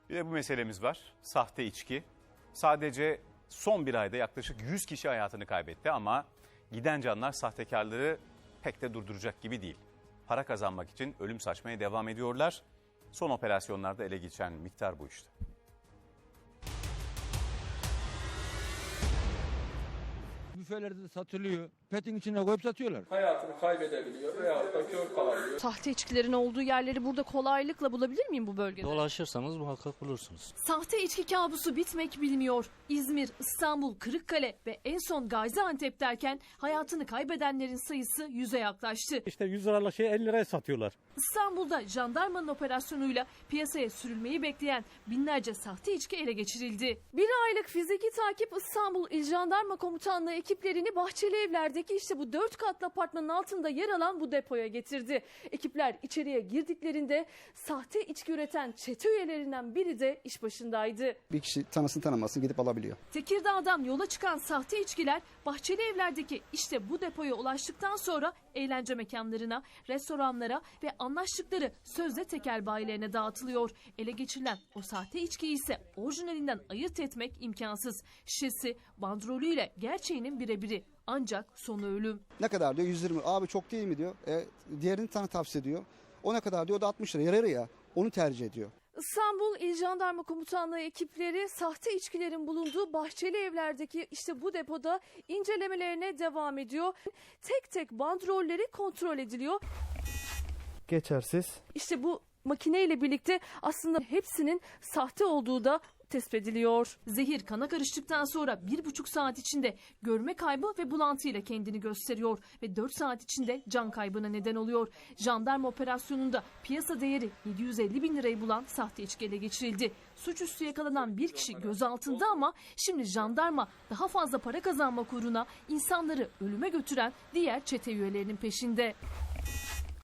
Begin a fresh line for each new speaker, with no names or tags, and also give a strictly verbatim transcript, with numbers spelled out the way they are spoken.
Bir de bu meselemiz var. Sahte içki. Sadece son bir ayda yaklaşık yüz kişi hayatını kaybetti ama giden canlar sahtekarları pek de durduracak gibi değil. Para kazanmak için ölüm saçmaya devam ediyorlar. Son operasyonlarda ele geçen miktar bu işte.
Büfelerde de satılıyor. Petin içine koyup satıyorlar.
Hayatını kaybedebiliyor veyahut da kör kalabiliyor.
Sahte içkilerin olduğu yerleri burada kolaylıkla bulabilir miyim bu bölgede?
Dolaşırsanız muhakkak bulursunuz.
Sahte içki kabusu bitmek bilmiyor. İzmir, İstanbul, Kırıkkale ve en son Gaziantep derken hayatını kaybedenlerin sayısı yüze yaklaştı.
İşte yüz liralık şeyi elli liraya satıyorlar.
İstanbul'da jandarmanın operasyonuyla piyasaya sürülmeyi bekleyen binlerce sahte içki ele geçirildi. Bir aylık fiziki takip İstanbul İl Jandarma Komutanlığı ekiplerini Bahçelievler'deki işte bu dört katlı apartmanın altında yer alan bu depoya getirdi. Ekipler içeriye girdiklerinde sahte içki üreten çete üyelerinden biri de iş başındaydı.
Bir kişi tanısın tanımasın gidip alabiliyor.
Tekirdağ'dan yola çıkan sahte içkiler Bahçelievler'deki işte bu depoya ulaştıktan sonra eğlence mekanlarına, restoranlara ve anlaştıkları sözde tekel bayilerine dağıtılıyor. Ele geçirilen o sahte içkiyi ise orijinalinden ayırt etmek imkansız. Şişesi, bandrolüyle gerçeğinin birebiri. Ancak sonu ölüm.
Ne kadar diyor? yüz yirmi. Abi çok değil mi diyor. E, diğerini tanı tavsiye ediyor. O ne kadar diyor? O da altmış lira. Yarı yarıya. Onu tercih ediyor.
İstanbul İl Jandarma Komutanlığı ekipleri sahte içkilerin bulunduğu Bahçelievler'deki işte bu depoda incelemelerine devam ediyor. Tek tek bandrolleri kontrol ediliyor.
Geçersiz.
İşte bu makineyle birlikte aslında hepsinin sahte olduğu da tespit ediliyor. Zehir kana karıştıktan sonra bir buçuk saat içinde görme kaybı ve bulantıyla kendini gösteriyor ve dört saat içinde can kaybına neden oluyor. Jandarma operasyonunda piyasa değeri yedi yüz elli bin lirayı bulan sahte içki ele geçirildi. Suçüstü yakalanan bir kişi gözaltında ama şimdi jandarma daha fazla para kazanmak uğruna insanları ölüme götüren diğer çete üyelerinin peşinde.